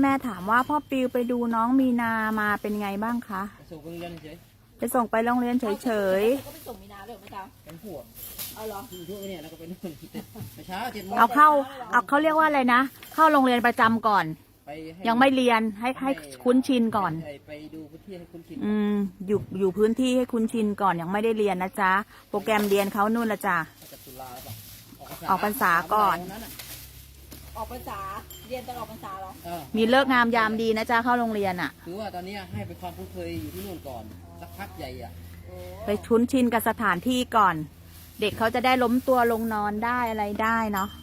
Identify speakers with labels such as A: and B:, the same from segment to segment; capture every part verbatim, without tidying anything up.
A: แม่ถามว่าพ่อปิวไปดูน้องมีนามาเป็นไงบ้างคะ
B: ไปส่งไปโรงเรียนเฉย
A: ไปส่งไปโรงเรียนเฉย
C: ก็ไปส่งมีนาเลยเมื่อเช้า
B: เป็นผัว
C: เอาเหรอ
B: อยู่ช่วงนี้แล้วก็ไปนู่นเช้าเจ็ดโมง
A: ๆเอาเข้าเอาเขาเรียกว่าอะไรนะเข้าโรงเรียนประจำก่อนยังไม่เรียนให้ให้คุ้นชินก่อน
B: ไปดูพื้นที่ให้คุ้นชิน
A: อืมอยู่อยู่พื้นที่ให้คุ้นชินก่อนยังไม่ได้เรียนนะจ๊ะโปรแกรมเรียนเขานู่นละจ้ะออกพรรษาก่อน
C: ออกพรรษาเรียนตลอดพรรษาเหรอ
A: มีเลิกงามยามดีนะจ๊ะเข้าโรงเรียนอ่ะ
B: คือว่าตอนนี้ให้ไปความคุ้นเคยอยู่ที่นู่นก่อนสักพักใหญ่อ่ะ
A: ไปคุ้นชินกับสถานที่ก่อน เด็กเขาจะได้ล้มตัวลงนอนได้อะไรได้เนาะ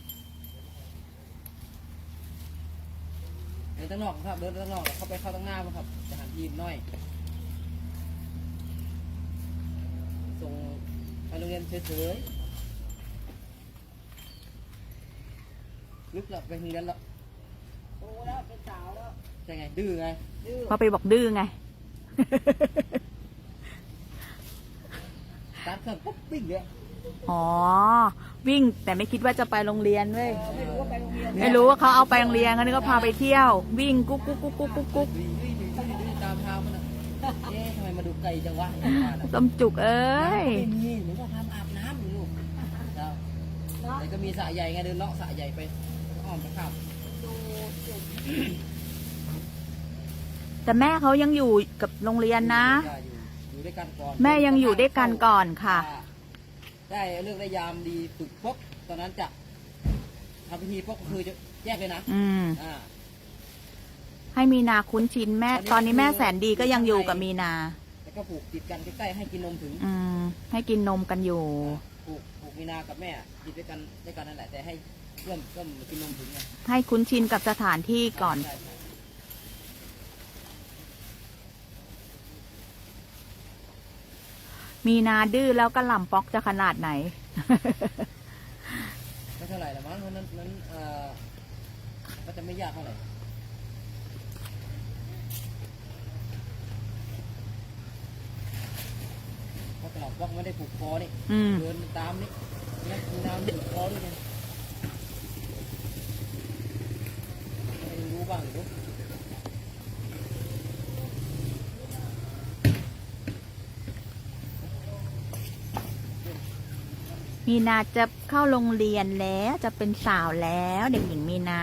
B: เดินตั้งนอกครับเดินตั้งนอกเข้าไปเข้าตั้งหน้าครับจะหันทีมน้อยส่งไปโรงเรียนเฉยๆลึกแล้วไปโรงเรียนแล้ว
C: โตแล้วเป็นสาวแล้ว
B: ใช่ไงดื้อไง
A: พอไปบอกดื้อไง
B: ตามเครื่องปุ๊บวิ่งเลย
A: อ๋อวิ่งแต่ไม่คิดว่าจะไปโรงเรียนเว้ย
C: ไม่รู้ว่าไปโรงเรียน
A: ไม่รู้ว่าเขาเอาไปโรงเรียนเขานี่ก็พาไปเที่ยววิ่งกุ๊กกุ๊กกุ๊กกุ๊กกุ๊กกุ๊ก
B: ตามเท้ามันเอ๊ะทำไมมาดูไกลจังวะ
A: ต้มจุกเอ้ย
B: ไม่มีหนูก็ทำอาบน้ำอยู่ลูกแต่ก็มีสระใหญ่ไงเดินเลาะสระใหญ่ไปอ้อมไปข้าม
A: แต่แม่เขายังอยู่กับโรงเรียนนะ
B: อยู่ด้วยกันก่อน
A: แม่ยังอยู่ด้วยกันก่อนค่ะ
B: ได้เลือกได้ยามดีฝึกปุ๊บตอนนั้นจะทำพิธีปุ๊บก็คือจะแยกเลยนะ
A: อืมให้มีนาคุ้นชินแม่ตอนนี้แม่แสนดีก็ยังอยู่กับมีนา
B: แล้วก็ผูกติดกันใกล้ๆให้กินนมถึง
A: อืมให้กินนมกันอยู่
B: ผูกผูกมีนากับแม่กินด้วยกันด้วยกันนั่นแหละแต่ให้เริ่มเริ่มกินนมถึงไง
A: ให้คุ้นชินกับสถานที่ก่อนมีนาดื้อแล้วก็หล่ำป๊อกจะขนาดไหน
B: ไม่เท่าไหร่ละมั้งเพราะนั้นนั้นเอ่อก็จะไม่ยากเท่าไหร่เพราะกระหล่ำป๊อกไม่ได้ผูกคอนี่เดินตามนี่นี่มีนาผูกคอด้วยไงไม่รู้บ้างหรือ
A: มีนาจะเข้าโรงเรียนแล้วจะเป็นสาวแล้วเด็กหญิงมีนา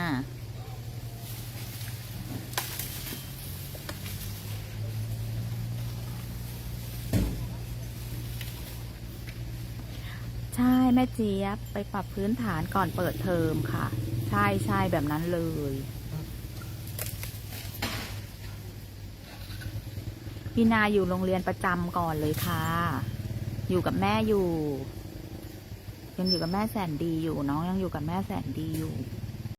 A: ใช่แม่เจี๊ยบไปปรับพื้นฐานก่อนเปิดเทอมค่ะใช่ใช่แบบนั้นเลยมีนาอยู่โรงเรียนประจำก่อนเลยค่ะอยู่กับแม่อยู่ยังอยู่กับแม่แสนดีอยู่น้องยังอยู่กับแม่แสนดีอยู่